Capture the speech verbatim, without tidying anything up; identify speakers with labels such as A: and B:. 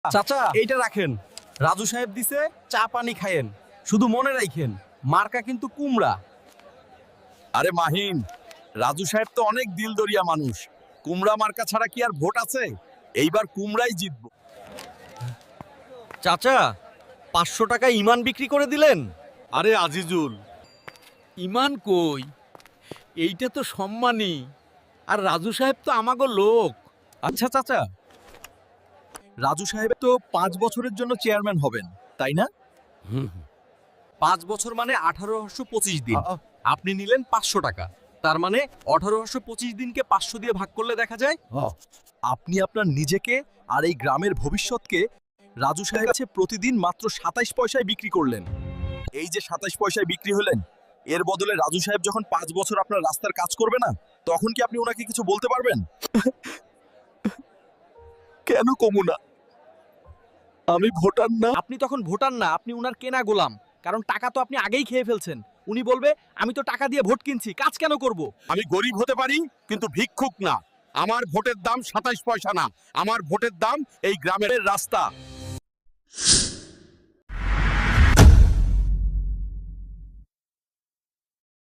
A: চাচা এইটা রাখেন, রাজু সাহেব দিছে, চা পানি খায়েন, শুধু মনে রাখেন মার্কা কিন্তু কুমড়া।
B: আরে মাহিন, রাজু সাহেব তো অনেক দিলদরিয়া মানুষ, কুমড়া মার্কা ছাড়া কি আর ভোট আছে? এইবার কুমড়াই জিতবো।
A: চাচা পাঁচশো টাকা ইমান বিক্রি করে দিলেন।
C: আরে আজিজুল, ইমান কই? এইটা তো সম্মানী, আর রাজু সাহেব তো আমাগো লোক।
B: আচ্ছা চাচা, রাজু সাহেব তো পাঁচ বছরের জন্য চেয়ারম্যান হবেন, তাই না?
A: পাঁচ বছর মানে আঠারোশো পঁচিশ দিন। আপনি নিলেন পাঁচশো টাকা, তার মানে আঠারোশো পঁচিশ দিনকে পাঁচশো দিয়ে ভাগ করলে দেখা যায়।
B: আপনি আপনার নিজেকে আর এই গ্রামের ভবিষ্যৎকে রাজু সাহেব কাছে প্রতিদিন মাত্র সাতাইশ পয়সায় বিক্রি করলেন। এই যে সাতাইশ পয়সায় বিক্রি হলেন, এর বদলে রাজু সাহেব যখন পাঁচ বছর আপনার রাস্তার কাজ করবে না, তখন কি আপনি ওনাকে কিছু বলতে পারবেন? কেন কমু না? আমি ভোটার না।
A: আপনি তখন ভোটার না, আপনি উনার কেনা গোলাম। কারণ টাকা তো আপনি আগেই খেয়ে ফেলছেন। উনি বলবে আমি তো টাকা দিয়ে ভোট কিনছি, কাজ কেন করব?
C: আমি গরিব হতে পারি, কিন্তু ভিক্ষুক না। আমার ভোটের দাম সাতাইশ পয়সা না, আমার ভোটের দাম এই গ্রামের রাস্তা।